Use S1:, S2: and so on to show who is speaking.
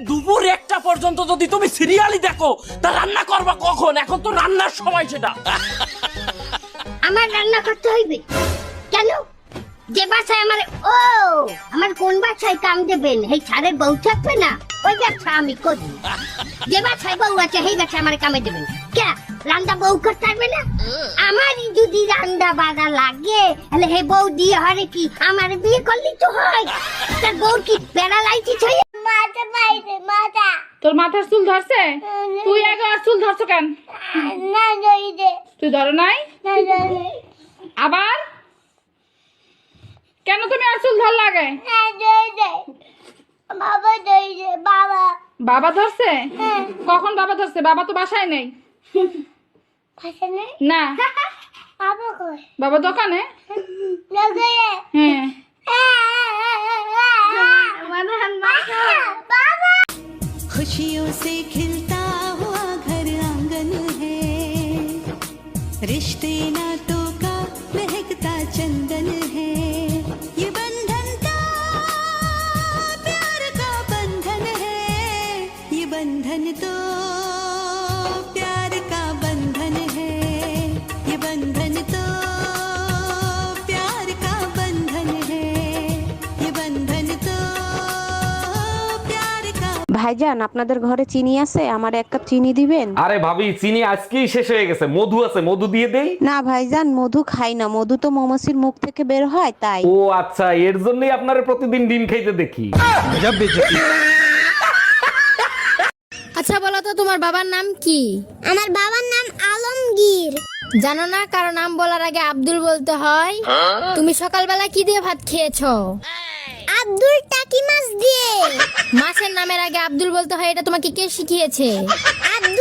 S1: দুপুর 1টা পর্যন্ত যদি তুমি সিরিয়ালই দেখো তা রান্না করবা কখন? এখন তো রান্নার সময় সেটা।
S2: আমার রান্না করতে হইবে কেন? যে বাসায় আমার কোন বাসায় কাম দেবেন এই ছাড়ের বউ থাকবে না, ওই ব্যবসা আমি করি। যে বাসায় বউ আছে সেই বাসায় আমার কামে দেবেন কে? রান্না বউ করতে পারবে না? আমারই যদি রান্না বাড়া লাগে তাহলে হে বউ দিয়ে হরে কি আমার বিয়ে করলি তো হয়। তার বউ কি প্যারালাইসিস হয়ে মাথা পাইছে মাথা।
S3: তোর মাথার চুল ধরছে? তুই আগে আর চুল ধরছো কেন?
S2: না জই দে।
S3: তুই ধরো নাই?
S2: না জই।
S3: আবার কেন তুমি আর চুল ধর লাগে?
S2: না জই দে। বাবা জই দে বাবা।
S3: বাবা ধরছে? কখন বাবা ধরছে? বাবা তো বাসায় নেই।
S2: পাশে নেই?
S3: না।
S2: বাবা কই?
S3: বাবা দোকানে।
S2: লগে।
S3: হ্যাঁ।
S2: বাবা।
S4: खुशियों से खिलता हुआ घर आंगन है, रिश्ते नातों का महकता चंदन है, ये बंधन तो प्यार का बंधन है, ये बंधन तो प्यार का बंधन है, ये बंधन तो प्यार का बंधन है, ये बंधन तो प्यार का।
S5: ভাইজান আপনাদের ঘরে চিনি আছে? আমার 1 কাপ চিনি দিবেন?
S6: আরে ভাবি, চিনি আজকেই শেষ হয়ে গেছে। মধু আছে, মধু দিয়ে দেই।
S5: না ভাইজান, মধু খাই না, মধু তো মৌমাছির মুখ থেকে বের হয় তাই।
S6: ও আচ্ছা, এর জন্যই আপনারা প্রতিদিন ডিম খাইতে দেখি।
S7: আচ্ছা বলো তো তোমার বাবার নাম কি?
S2: আমার বাবার নাম আলমগীর।
S7: জানো না কারো নাম বলার আগে আব্দুল বলতে হয়? তুমি সকালবেলা কি দিয়ে ভাত খেয়েছো?
S2: আব্দুল টাকি মাছ দিয়ে।
S7: মাছের নামের আগে আব্দুল বলতে হয়, এটা তোমাকে কে শিখিয়েছে?
S2: আব্দুল